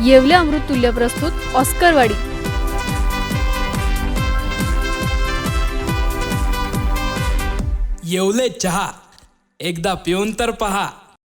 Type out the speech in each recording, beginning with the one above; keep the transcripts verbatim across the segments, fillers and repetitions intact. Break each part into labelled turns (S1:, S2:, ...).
S1: येवले अमृततुल्य प्रस्तुत ऑस्करवाडी.
S2: येवले चहा एकदा पिऊन तर पहा.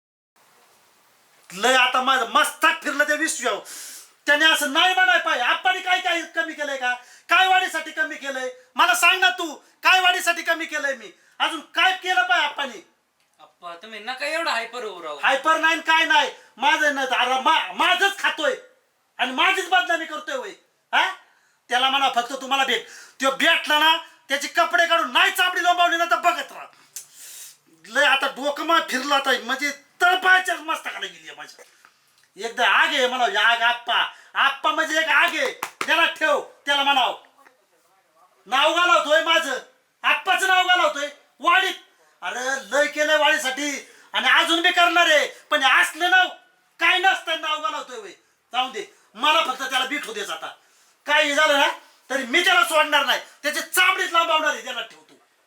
S3: लय आता माझं मस्तक फिरलं त्या विश्व त्याने असं नाही म्हणाय पाहिजे. आपण काय काय कमी केलंय का? काय वाढीसाठी कमी केलंय मला सांग ना तू. काय वाढीसाठी कमी केलंय मी? अजून काय केलं पाहिजे आपण?
S4: अप्पा तुम्ही नका एवढं हायपर होऊ राहू.
S3: हायपर नाही काय नाही माझं नाही अरे मा- माझंच खातोय आणि माझीच बदनामी करतोय वय. हा त्याला म्हणा फक्त तुम्हाला भेट तो भेटला ना त्याचे कपडे काढून नाही चापडी लोंबावली ना तर बघत राहा. लय आता डोकं मग फिरलं आता म्हणजे तळपायच्या मस्तकाला गेली माझ्या. एकदा आग आहे म्हणाव आग. आप्पा आप्पा म्हणजे एक आग आहे. त्याला ठेव त्याला म्हणाव नाव घालवतोय माझं. आप्पाचं नाव घालवतोय वाडीत. अरे लय केलंय वाडीसाठी आणि अजून बी करणार आहे. पण असलं नाव काय नसतं नाव घालवतोय वय. जाऊ दे मला फक्त त्याला बिठू देच. आता काही झालं ना तरी मी त्याला सोडणार नाही. त्याची चामडीच लांबवणार आहे. त्याला ठेवतो.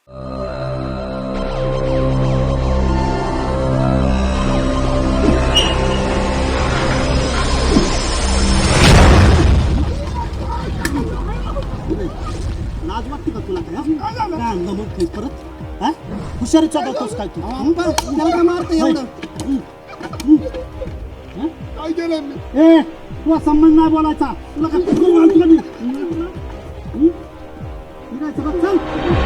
S5: लाज वाटते का तुला? काय आणलं मग काही परत? हा हुशारी चढवतोस काय तू? त्याला काय मारतं एवढं? काय केलं मी? ए तुला संबंध नाही बोलायचा. तुला काय आणलं मी? चल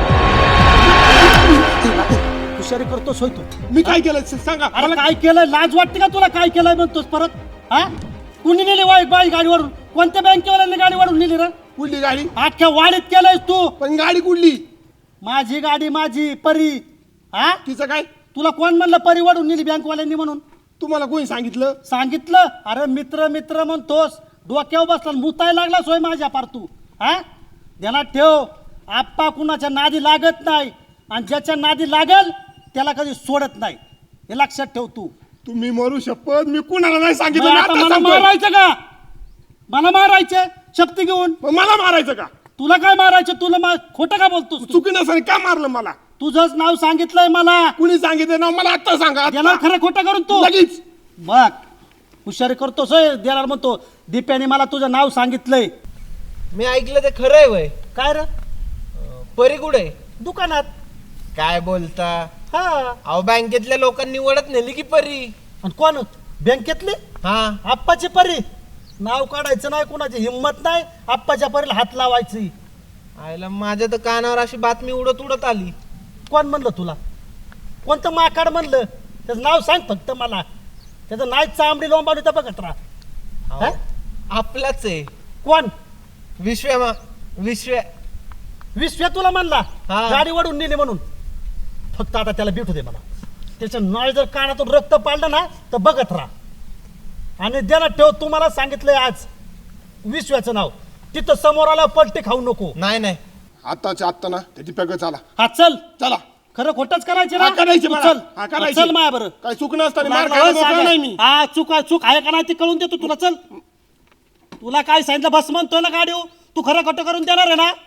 S5: हुशारी करतोस होय तू?
S6: मी काय केलं सांगा.
S5: अरे काय केलंय? लाज वाटते का तुला? काय केलंय म्हणतोस परत? हा कुणी नेली वाई बाई गाडीवरून? कोणत्या बँकेवाल्यांनी गाडीवरून नेली रे?
S6: कुठली गाडी?
S5: अख्ख्या वाडीत केलंयस तू.
S6: पण गाडी कुठली?
S5: माझी गाडी माझी परी. हा
S6: तिचं काय?
S5: तुला कोण म्हणलं परी वाढून नेली बँकवाल्यांनी म्हणून?
S6: तुम्हाला कोणी सांगितलं?
S5: सांगितलं? अरे मित्र मित्र म्हणतोस डोक्यावर बसला मुतायला लागला सोय माझ्या पार तू. हा ध्यानात ठेव आप्पा कुणाच्या नादी लागत नाही आणि ज्याच्या नादी लागल त्याला कधी सोडत नाही. हे लक्षात ठेव तू.
S6: तुम्ही मरू शपथ मी कुणाला नाही
S5: मग
S6: सांगितलं. मी
S5: आता
S6: आता
S5: मला
S6: सांगतोय.
S5: मारायचं का? मला मारायचं शक्ती घेऊन?
S6: मग मला मारायचं का?
S5: तुला काय मारायचं? तुला मा खोटं का बोलतोस तू?
S6: चुकी नसेल का मारलं मला?
S5: तुझंच नाव सांगितलंय मला.
S6: कुणी सांगितलं ना मला आता सांगा. आता.
S5: देणार खरं खोटं करून तू
S6: लगेच
S5: बघ हुशारी करतोस होय. देणार म्हणतो दीप्याने मला तुझं नाव सांगितलंय.
S7: मी ऐकलं ते खरं आहे वय.
S5: काय रे?
S7: परी कुठे?
S5: दुकानात.
S7: काय बोलता?
S5: हा
S7: अहो बँकेतल्या लोकांनी ओळख नेली की परी.
S5: आणि कोण? बँकेतली
S7: हा
S5: आप्पाची परी. नाव काढायचं नाही कुणाची हिंमत नाही आप्पाच्या परीला हात लावायची.
S7: आईला माझ्या तर कानावर अशी बातमी उडत उडत आली.
S5: कोण म्हणलं तुला? कोणतं माकाड म्हणलं? त्याचं नाव सांग फक्त मला. त्याचं नाही चांबडी लोंबावली तर बघत राहा.
S7: अहो,
S5: हा?
S7: आपलाच आहे
S5: कोण?
S7: विश्व्या मा विश्व्या.
S5: विश्व्या तुला म्हणला
S7: हा.
S5: गाडी वडून नेली म्हणून? फक्त आता त्याला भेटू दे मला. त्याच्या नळ जर कानातून रक्त पाडलं ना तर बघत राहा. आणि देण्यात ठेव तुम्हाला सांगितलंय आज विश्व्याचं नाव. तिथं समोर आला पलटी खाऊ नको.
S7: नाही नाही
S6: आत्ताच्या आत्ता ना त्याची पॅक चला.
S5: हा चल.
S6: चला
S5: खरं खोटच करायचे
S6: हा, करायचे
S5: तू
S6: मला.
S5: चल.
S6: हा, करायचे.
S5: चल माया बरं.
S6: काय चूक नसताना मार
S5: लागला
S6: खायला
S5: होय
S6: मोकळा
S5: सांगा.
S6: नाही मी.
S5: हा चूक आहे चूक आहे का नाही ते कळून देतो तुला. चल तुला काय सांगितलं बस म्हणतोय ना गाडी. तू खरं खोटं करून देणार आहे ना?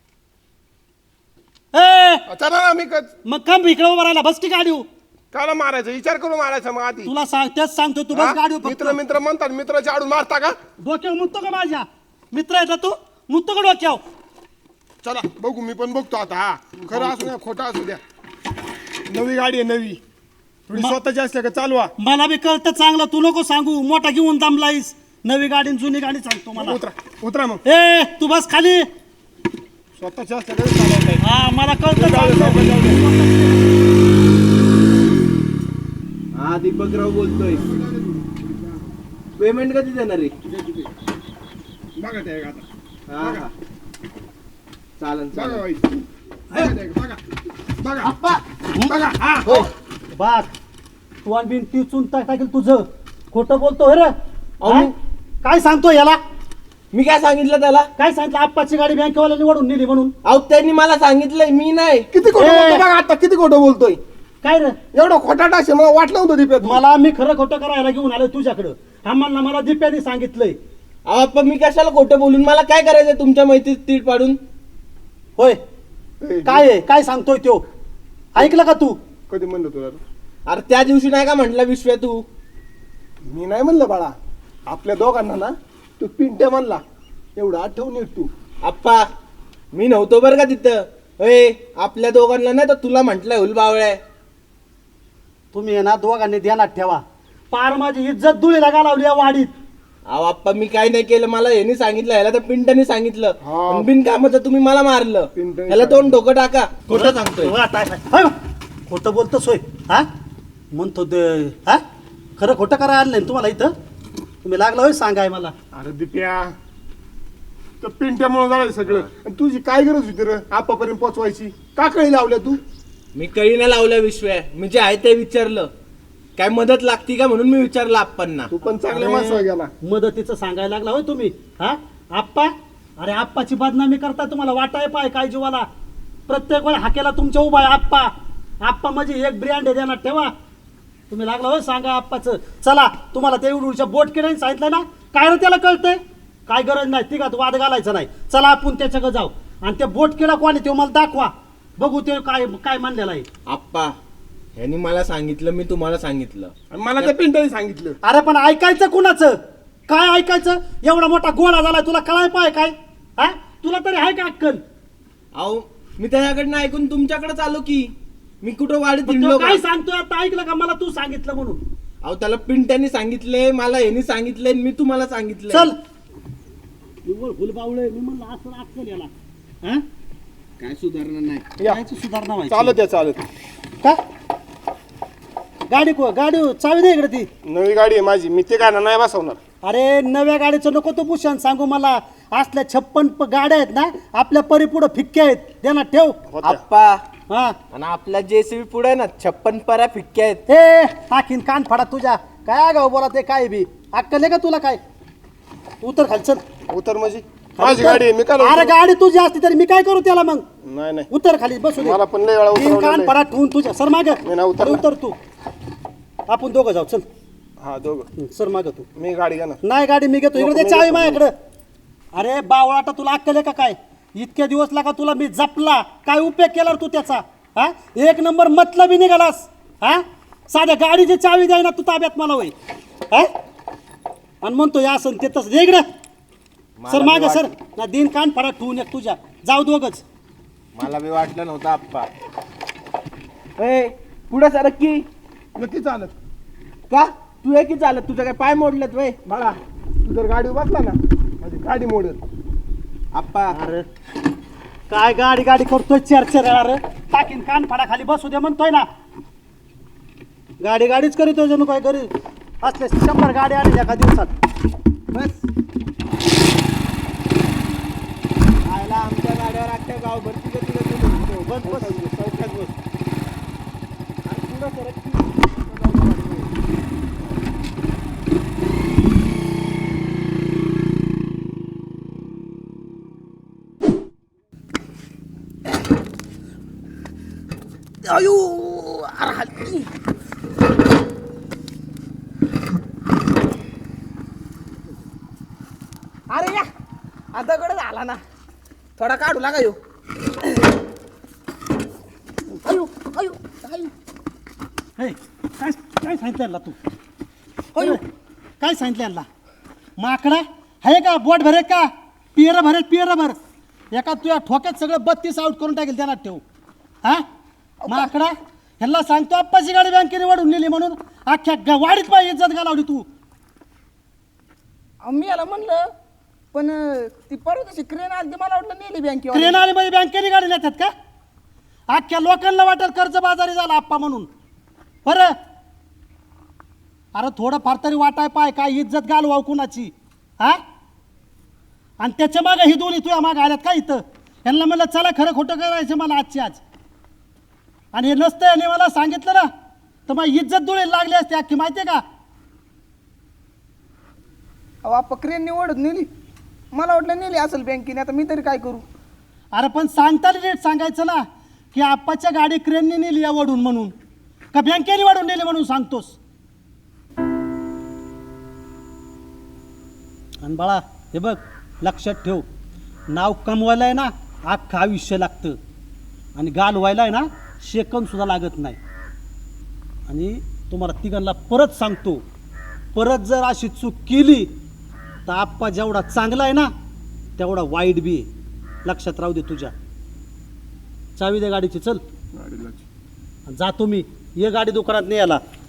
S5: ए
S6: चला ना मी क-
S5: मग कम इकडे उभा राहिला. बस की गाडी.
S6: काला मारायचं विचार करून मारायचं मग आधी.
S5: तुला सांग तेच सांगतो तू बस
S6: हा?
S5: गाडी.
S6: मित्र मित्र म्हणतात मित्राच्या आडून मारता का?
S5: डोक्यावर मुततो का माझ्या? मित्र आहे तू मुततो का डोक्यावर?
S6: चला बघू मी पण बघतो आता. हा खरं असू द्या खोटं असू द्या. नवी गाडी आहे नवी. थोडी
S5: म-
S6: स्वतःची असल्या का चालवा.
S5: मला बी कळतं चांगलं. तू नको सांगू. मोठा घेऊन दमलाईस. नवी गाडी आणि जुनी गाडी सांगतो मला.
S6: उतरा उतरा मग.
S5: ए तू बस खाली.
S6: स्वतःची असल्या का चालवता येईल.
S5: हा मला कळतं
S6: जाऊ दे, जाऊ दे, जाऊ
S5: चांगलं.
S6: दे.
S7: हा दीपकराव बोलतोय. पेमेंट कधी देणार आहे?
S6: बघा ते आता.
S7: हा हा चालन
S6: बघा
S7: चालन.
S6: बाई. बघा ते, बघा. बघा. बघा. हा.
S5: बघ तू आणि बिन ती चून टाकेल तुझं. खोटं बोलतो रे.
S7: अहो,
S5: हा?
S7: मी-
S5: काय सांगतो याला?
S7: मी काय सांगितलं त्याला?
S5: काय सांगितलं? आप्पाची गाडी बँकेवाल्यांनी वडून नेली म्हणून.
S7: अहो त्यांनी मला सांगितलंय मी नाही.
S6: किती खोटं
S5: ए.
S6: बोलतो बघा आता. किती खोटं बोलतोय.
S5: काय रे?
S6: एवढं खोटा टाकशे मला वाटलं होतं दिप्यात.
S5: मला मी खरं खोटं करायला घेऊन आलो तुझ्याकडं. आम्हाला मला दिप्याने सांगितलंय.
S7: अहो पण मी कशाला खोटं बोलून? मला काय करायचंय तुमच्या मैत्रीत तीट पाडून?
S5: होय
S6: ए,
S5: काय आहे? काय सांगतोय तो? ऐकलं का तू?
S6: कधी म्हणलं तुला?
S7: अरे त्या दिवशी नाही का म्हटलं विश्व्या तू?
S6: मी नाही म्हणलं बाळा. आपल्या दोघांना ना तू पिंट्या म्हणला एवढं आठवून येत तू.
S7: आप्पा मी नव्हतो बरं का तिथं. अय आपल्या दोघांना नाही तर तुला म्हटलंय हुल बावळ्या.
S5: तुम्ही आहे ना दोघांनी ध्यानात ठेवा. पार माझी इज्जत धुळीला घालावली या वाडीत.
S7: अहो आप्पा मी काय नाही केलं, मला यांनी सांगितलं, ह्याला तर पिंट्याने सांगितलं.
S6: हा.
S7: आणि बिनकामाचं तुम्ही मला मारलं.
S6: पिंट्याने
S7: ह्याला तोंड डोकं टाका. खोटं सांगतोय.
S5: वा, काय काय- होय. खोटं बोलतो सोय हा म्हणतो ते- हा खरं खोटं करा आलं नाही तुम्हाला इथं. तुम्ही लागला होय सांगाय मला.
S6: अरे दिप्या तर पिंट्यामुळे झालं सगळं. आणि तुझी काय गरज होती रे आपापर्यंत पोचवायची? का कळी लावल्या तू?
S7: मी कळी नाही लावल्या विश्वया, मी जे आहे ते विचारलं. काय मदत लागती का म्हणून मी विचारलं आप्पांना.
S6: तू पण चांगल्या माणसाला गेला.
S5: मदतीचं सांगायला लागला होय तुम्ही हा आप्पा. अरे आप्पाची बदनामी करता तुम्हाला वाटाय पाय काय जीवाला. प्रत्येक वेळा हाकेला तुमच्या उभा आहे आप्पा. आप्पा म्हणजे एक ब्रँड आहे देणार ठेवा. तुम्ही लागला होय सांगा आप्पाचं. चला तुम्हाला ते उडूच्या बोट केल्याने सांगितलं ना काय रे त्याला कळतंय. काय गरज नाही तिघात वाद घालायचा नाही. चला आपण त्याच्याकडे जाऊ आणि ते बोट केला कोणी ते मला दाखवा बघू ते काय काय मानलेलं आहे.
S7: आप्पा ह्यांनी मला सांगितलं, मी तुम्हाला सांगितलं.
S6: आणि मला त्या पिंट्याने सांगितलं.
S5: अरे पण ऐकायचं कुणाचं? काय ऐकायचं? एवढा मोठा गोळा झालाय तुला कळाय पाय काय हा? तुला तरी आहे का अक्कल?
S7: अहो मी त्याच्याकडनं ऐकून तुमच्याकडे आलो की. मी कुठं वाढीत
S5: पण
S7: हिंडलो
S5: तो
S7: का?
S5: काय सांगतोय आता ऐकलं का? मला तू सांगितलं म्हणून.
S7: अहो त्याला पिंट्याने सांगितले, मला ह्यांनी सांगितले, मी तुम्हाला सांगितलं.
S5: चल निव्वळ फुलबावळे. मी म्हणलं असं अक्कल याला हा?
S7: काय सुधारणा नाही.
S6: या
S5: कायची सुधारणा व्हायची?
S6: चालत या चालत.
S5: का गाडी को गाडी चावी दे इकडे ती.
S6: नवी गाडी आहे माझी, मी ते गाणं नाही बसवणार.
S5: अरे नव्या गाडीचं नको तो भूषण सांगू मला. असल्या छप्पन प- गाड्या आहेत ना आपल्या परिपुढं फिक्क्या आहेत. देणार ठेव
S6: होत्या.
S7: आप्पा
S5: हा.
S7: आणि आपल्या जेसीबी पुढे ना छप्पन पऱ्या फिक्क्या आहेत.
S5: हे टाकीन कान फाडा तुझ्या. काय गाव बोला ते काय बी अक्कल आहे का तुला काय? उतर खाली चल.
S6: उतर माझी माझी गाडी आहे, मी काय
S5: अरे गाडी तुझी असती तरी मी काय करू त्याला मग?
S6: नाही नाही
S5: उतर खाली बसू दे.
S6: मला पण लय वेळा
S5: तीन
S6: उतरवलेलं
S5: कान
S6: आहे.
S5: फाडा ठेवून तुझ्या सर माग
S6: मी नाही उतरणार.
S5: उतर तू. आपण दोघं जाऊ चल.
S6: हा दोघं.
S5: हं, सर माग तू.
S6: मी गाडी घेणार.
S5: नाही गाडी मी घेतो. इकडे
S6: नको,
S5: ते चावी
S6: नको.
S5: माझ्याकडं. अरे बावळाटा तुला अक्कल आहे का काय? इतक्या दिवस लागा तुला मी जपला काय उपयोग केला रे तू त्याचा हा? एक नंबर मतलबी निघालास हा. साध्या गाडीची चावी द्याय ना तू ताब्यात मला होय हा? आणि म्हणतो या असं ते तसं इकडे सर माग सर ना दिन कान फाडा ठेवून एक तुझ्या. जाऊ दोघच.
S7: मला बी वाटलं नव्हतं आप्पा. ए पुढे सरक की.
S6: नक्की चालत.
S7: का तू आहे की चालत? तुझं काय पाय मोडलेत वय?
S6: बाळा तू जर गाडी बसला ना माझी गाडी मोडत.
S7: आप्पा
S5: अरे काय गाडी गाडी करतोय चार चार अरे टाकीन कान फाडा खाली बसू दे म्हणतोय ना. गाडी गाडीच करीतोय जणू काय घरी असले शंभर गाड्या आल्या एका दिवसात.
S7: बस. आयला आमच्या गाड्यावर अख्ख्या गाव भरती का तुला तुला
S5: बस बस चौकात बस.
S7: पुढं सरक की.
S8: अरे या आता कडे झाला ना थोडा काढू लागा यो. अयो अयो अयो
S5: हे काय काय सांगितलं यांना तू?
S8: अयो
S5: काय सांगितलं यांना? माकडा आहे का? बोट भरे का? पियर भरे पियर भर. एका तुझ्या ठोक्यात सगळं बत्तीस आउट करून टाकेल त्यांना ठेव हा. माकडा ह्यांना सांगतो आप्पाची गाडी बँकेने वाढून नेली म्हणून अख्ख्या ग- वाडीत पाहिजे इज्जत घालावली तू.
S8: अहो, मी याला म्हणलं पण अं, ती परत अशी क्रेन आली मला वाटलं नेली बँकेवर.
S5: क्रेन आली म्हणजे बँकेने गाडी नेतात का? अख्ख्या लोकांना वाटेल कर्ज बाजारी झाला आप्पा म्हणून बरं. अरे थोडं फार तरी वाटाय पाय काय इज्जत घालवाव कुणाची हा. आणि त्याच्या मागं ही दोन्ही तुझ्या मागं आल्यात का इथं? यांना म्हणलं चला खरं खोटं करायचं मला आजची आज. आणि हे नसतं याने मला सांगितलं ना तर मग इज्जत डोळे लागली असते अख्खी माहिती आहे का?
S8: अहो आप्पा क्रेन निवडत नेली मला वाटलं नेली असेल बँकेने. आता मी तरी काय करू?
S5: अरे पण सांगताना रेट सांगायचं ना की आप्पाच्या गाडी क्रेनने नेली या वडून म्हणून का बँकेने वाढून नेली म्हणून सांगतोस. आणि बाळा हे बघ लक्षात ठेव नाव कमवायला आहे ना अख्खं आयुष्य लागतं आणि गाल व्हायला आहे ना सेकंद सुद्धा लागत नाही. आणि तुम्हाला तिघांना परत सांगतो परत जर अशी चूक केली तर आप्पा जेवढा चांगला आहे ना तेवढा वाईट बी आहे. लक्षात राहू दे तुझ्या. चावी दे गाडीची, चल
S6: गाडीला
S5: जातो मी. ये गाडी दुकानात नाही याला.